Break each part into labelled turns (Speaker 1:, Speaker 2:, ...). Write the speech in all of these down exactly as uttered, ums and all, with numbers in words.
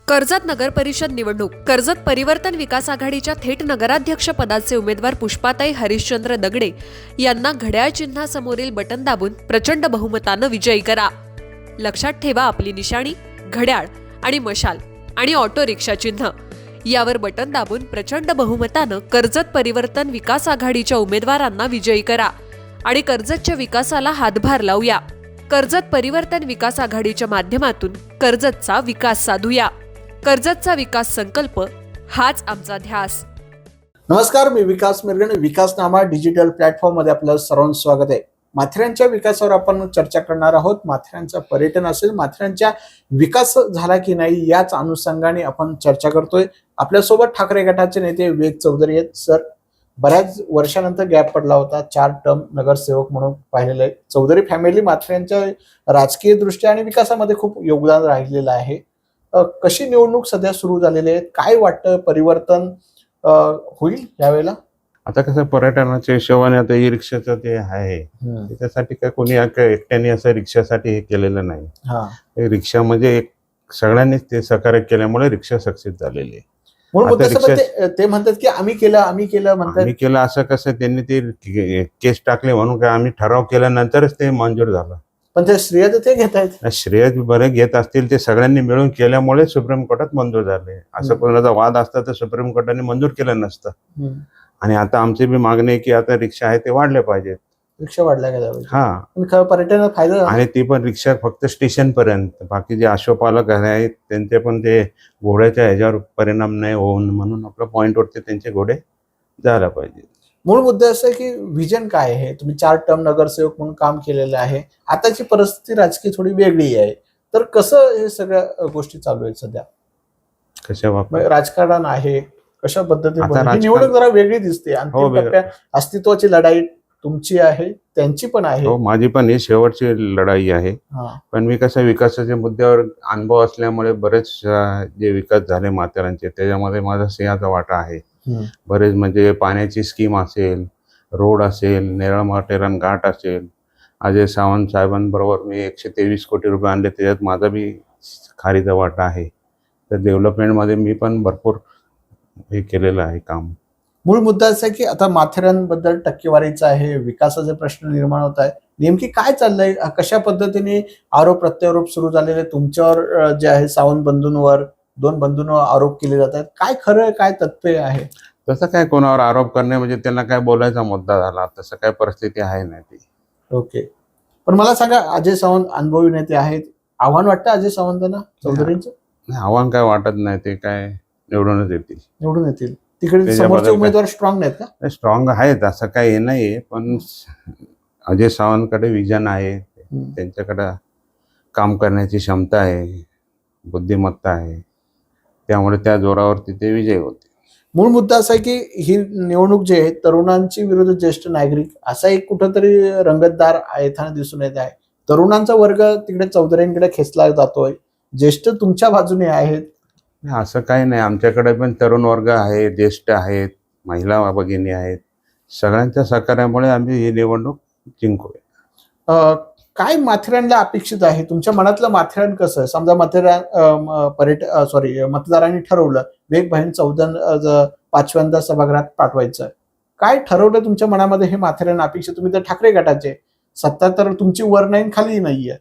Speaker 1: कर्जत नगर परिषद निवडणूक. कर्जत परिवर्तन विकास आघाडीच्या थेट नगराध्यक्ष पदाचे उमेदवार पुष्पाताई हरिश्चंद्र दगडे यांना घड्याळ चिन्हासमोरील बटन दाबून प्रचंड बहुमतानं विजयी करा. लक्षात ठेवा, आपली निशाणी घड्याळ आणि मशाल आणि ऑटो रिक्षा चिन्ह यावर बटन दाबून प्रचंड बहुमतानं कर्जत परिवर्तन विकास आघाडीच्या उमेदवारांना विजयी करा आणि कर्जतच्या विकासाला हातभार लावूया. कर्जत परिवर्तन विकास आघाडीच्या माध्यमातून कर्जतचा विकास साधूया. कर्जतचा विकास संकल्प हाच आमचा ध्यास.
Speaker 2: नमस्कार, मी विकास मिरगणे. विकासनामा डिजिटल प्लॅटफॉर्म मध्ये आपलं सर्वांचं स्वागत आहे. माथेरानच्या विकासावर आपण चर्चा करणार आहोत. माथेरानचं पर्यटन असेल, माथेरानच्या विकास झाला की नाही याच अनुषंगाने आपण चर्चा करतोय. आपल्यासोबत ठाकरे गटाचे नेते विवेक चौधरी आहेत. सर, बऱ्याच वर्षानंतर गॅप पडला होता, चार टर्म नगरसेवक म्हणून पाहिलेलं आहे. चौधरी फॅमिली माथेरानच्या राजकीय दृष्ट्या आणि विकासामध्ये खूप योगदान राहिलेलं आहे. कशी निवडणूक सध्या सुरू झालेली आहे, काय वाटतं, परिवर्तन होईल यावेळेला?
Speaker 3: आता कसं पर्यटनाच्या हिशोबाने आता ई रिक्षाचं ते आहे, त्याच्यासाठी काय कोणी एकट्याने असं रिक्षासाठी हे केलेलं नाही. रिक्षा म्हणजे एक सगळ्यांनीच ते सहकार्य केल्यामुळे रिक्षा सक्सेस झालेली आहे.
Speaker 2: ते म्हणतात की आम्ही केलं आम्ही केलं म्हणतात
Speaker 3: आम्ही केलं असं कसं त्यांनी ते केस टाकले म्हणून काय आम्ही ठराव केल्यानंतरच ते मंजूर झालं.
Speaker 2: पण ते श्रेय ते घेत आहेत.
Speaker 3: श्रेय बरे घेत असतील, ते सगळ्यांनी मिळून केल्यामुळे सुप्रीम कोर्टात मंजूर झाले. असं कोणाचा वाद असता तर सुप्रीम कोर्टाने मंजूर केलं नसतं. आणि आता आमची बी मागणी आहे की आता रिक्षा आहे ते वाढले पाहिजेत,
Speaker 2: रिक्षा वाढल्या गेल्या पाहिजे.
Speaker 3: हा,
Speaker 2: पर्यटनाला फायदा.
Speaker 3: आणि ती पण रिक्षा फक्त स्टेशन पर्यंत, बाकी जे आश्वपालक आहेत त्यांचे पण ते घोड्याच्या ह्याच्यावर परिणाम नाही होऊन म्हणून आपल्या पॉइंट वरती त्यांचे घोडे जायला पाहिजे.
Speaker 2: मूळ मुद्दा असं आहे की विजन काय आहे. तुम्ही चार टर्म नगरसेवक म्हणून काम केलेलं आहे. आताची परिस्थिती राजकीय थोडी वेगळी आहे, तर कसं हे सगळ्या गोष्टी चालू आहेत सध्या?
Speaker 3: कशा बाबतीत
Speaker 2: राजकारण आहे, कशा पद्धतीने निवडणूक जरा वेगळी दिसते. अंतिम टप्प्यात अस्तित्वाची लढाई तुमची आहे, त्यांची पण आहे.
Speaker 3: हो, माझी पण ही शेवटची लढाई आहे. पण मी कसं विकासाच्या मुद्द्यावर अनुभव असल्यामुळे बरेच जे विकास झाले माथेरानचे त्याच्यामध्ये माझा सिंहाचा वाटा आहे. बरेच म्हणजे पाण्याची स्कीम असेल, रोड असेल, नेरळ माथेरान घाट असेल, अजय सावंत साहेबांबरोबर मी एकशे तेवीस कोटी रुपये आणले, त्याच्यात माझा बी खारीचा वाटा आहे. तर डेव्हलपमेंटमध्ये मी पण भरपूर हे केलेलं आहे काम.
Speaker 2: मूळ मुद्दा असा आहे की आता माथेरान बद्दल टक्केवारीचा आहे, विकासाचे प्रश्न निर्माण होत आहे. नेमकी काय चाललंय, कशा पद्धतीने आरोप प्रत्यारोप सुरू झालेले तुमच्यावर जे आहे, सावंत बंधूंवर, दोन बंधूंवर आरोप केले जातात. काय खरं काय तथ्य आहे?
Speaker 3: तसं काय कोणावर आरोप करणे म्हणजे त्यांना काय बोलायचा मुद्दा झाला, तसं काय परिस्थिती आहे नाही ती.
Speaker 2: ओके, पण मला सांगा, अजय सावंत अनुभवी नेते आहेत, आव्हान वाटतं अजय सावंतांना चौधरींचं?
Speaker 3: आव्हान काय वाटत नाही, ते काय निवडूनच येतील.
Speaker 2: निवडून येतील. तिकडे समोरचे उमेदवार स्ट्रॉंग नाहीत का?
Speaker 3: स्ट्रॉंग आहेत, असं काही हे नाहीये, पण अजय सावंतकडे विजन आहे, त्यांच्याकडे काम करण्याची क्षमता आहे, बुद्धिमत्ता आहे, त्यामुळे त्या जोरावरती ते विजय होते.
Speaker 2: मूळ मुद्दा असा आहे की ही निवडणूक जी आहे तरुणांची विरुद्ध ज्येष्ठ नागरिक असा एक कुठंतरी रंगतदार येताना दिसून येत आहे. तरुणांचा वर्ग तिकडे चौधरींकडे खेचला जातोय, ज्येष्ठ तुमच्या बाजूने आहेत.
Speaker 3: असं काही नाही, आमच्याकडे पण तरुण वर्ग आहे, ज्येष्ठ आहेत, महिला भगिनी आहेत. सगळ्यांच्या सहकार्यामुळे आम्ही ही निवडणूक जिंकूया.
Speaker 2: काय माथेरानला अपेक्षित आहे? तुमच्या मनातलं माथेरान कसं आहे? समजा माथेरान पर्यटन सॉरी मतदारांनी ठरवलं वेग बहीण चौदा पाचव्यांदा सभागृहात पाठवायचं, काय ठरवलं तुमच्या मनामध्ये हे माथेरान अपेक्षित? तुम्ही तर ठाकरे गटाचे, सत्ता तर तुमची वर नाही खाली नाहीये.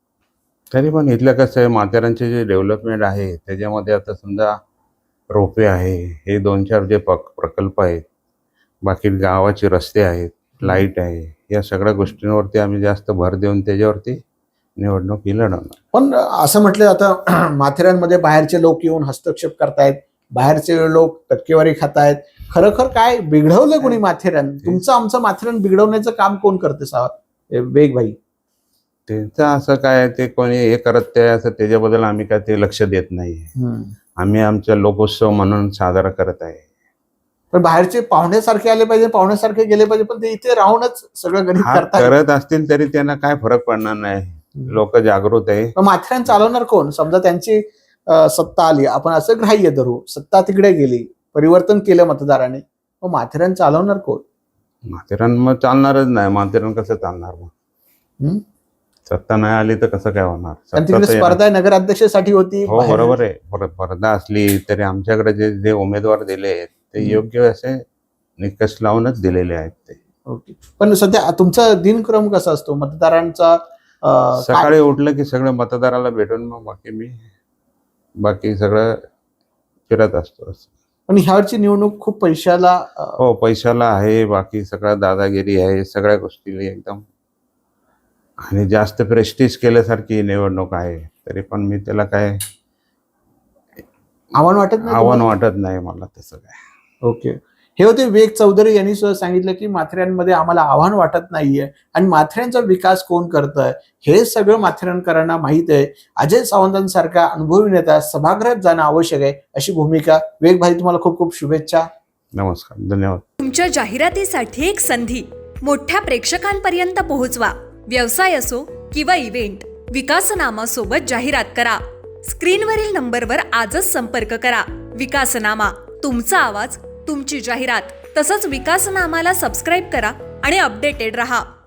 Speaker 3: तरी पण इथलं कसं आहे, माथेरानचे जे डेव्हलपमेंट आहे त्याच्यामध्ये आता समजा रोपे आहे, हे दोन चार जे प्रकल्प आहेत, बाकी गावाचे रस्ते आहेत, लाईट आहे, या सगळ्या गोष्टींवरती आम्ही जास्त भर देऊन त्याच्यावरती निवडणूक ही लढवणार.
Speaker 2: पण असं म्हटलं आता माथेरानमध्ये बाहेरचे लोक येऊन हस्तक्षेप करतायत, बाहेरचे लोक टक्केवारी खातायत. खरोखर काय बिघडवलं कोणी माथेरान? तुमचं आमचं माथेरान बिघडवण्याचं काम कोण करते साहेब? वेग भाई
Speaker 3: त्यांचं असं काय ते कोणी हे करत ते असं त्याच्याबद्दल आम्ही काय ते लक्ष देत नाही. आम्ही आमचा लोकोत्सव म्हणून साजरा करत आहे.
Speaker 2: पण बाहेरचे पाहुण्यासारखे आले पाहिजे, पाहुण्यासारखे गेले पाहिजे, पण ते इथे राहूनच सगळं गणित करतात.
Speaker 3: करत असतील तरी त्यांना काय फरक पडणार नाही. लोक जागृत आहे.
Speaker 2: माथेरान चालवणार कोण? समजा त्यांची सत्ता आली, आपण असं ग्राह्य धरू, सत्ता तिकडे गेली, परिवर्तन केलं मतदारांनी, मग माथेरान चालवणार कोण?
Speaker 3: माथेरान मग चालणारच नाही. माथेरान कसं चालणार? मग सत्ता नाही आली तर कसं काय होणार?
Speaker 2: आणि
Speaker 3: सत्ता
Speaker 2: तिकडे
Speaker 3: तर येणार.
Speaker 2: स्पर्धा नगराध्यक्षासाठी होती.
Speaker 3: हो
Speaker 2: बाहेर-
Speaker 3: बरोबर आहे. पर- स्पर्धा असली तरी आमच्याकडे जे जे उमेदवार दिले आहेत ते
Speaker 2: हम्म.
Speaker 3: योग्य असे निकष लावूनच दिलेले आहेत ते.
Speaker 2: ओके. पण सध्या तुमचा दिनक्रम कसा असतो मतदारांचा? अं, काय-
Speaker 3: सकाळी उठलं की सगळं मतदाराला भेटून मग बाकी मी बाकी सगळं फिरत असतो.
Speaker 2: पण ह्यावरची निवडणूक खूप पैशाला अं,
Speaker 3: हो पैशाला आहे, बाकी सगळं दादागिरी आहे, सगळ्या गोष्टी एकदम आणि जास्त प्रेस्टिज केल्यासारखी ही निवडणूक आहे. तरी पण मी त्याला काय
Speaker 2: आव्हान वाटत नाही
Speaker 3: आव्हान
Speaker 2: तुम्हाला?
Speaker 3: वाटत नाही मला तसं काय.
Speaker 2: ओके. हे होते विवेक चौधरी यांनी सुद्धा सांगितलं की माथेऱ्यांमध्ये आम्हाला आव्हान वाटत नाहीये आणि माथेऱ्यांचा विकास कोण करतंय हे सगळं माथेऱ्यांकरांना माहित आहे. अजय सावंतांसारखा अनुभवी नेता सभागृहात जाणं आवश्यक आहे अशी भूमिका. विवेक भाई, तुम्हाला खूप खूप शुभेच्छा.
Speaker 3: नमस्कार, धन्यवाद.
Speaker 4: तुमच्या जाहिरातीसाठी एक संधी मोठ्या प्रेक्षकांपर्यंत पोहोचवा. व्यवसाय असो किंवा इव्हेंट, विकासनामा सोबत जाहिरात करा. स्क्रीनवरील नंबरवर आजच संपर्क करा. विकासनामा, तुमचा आवाज, तुमची जाहिरात. तसंच विकासनामाला सबस्क्राईब करा आणि अपडेटेड रहा.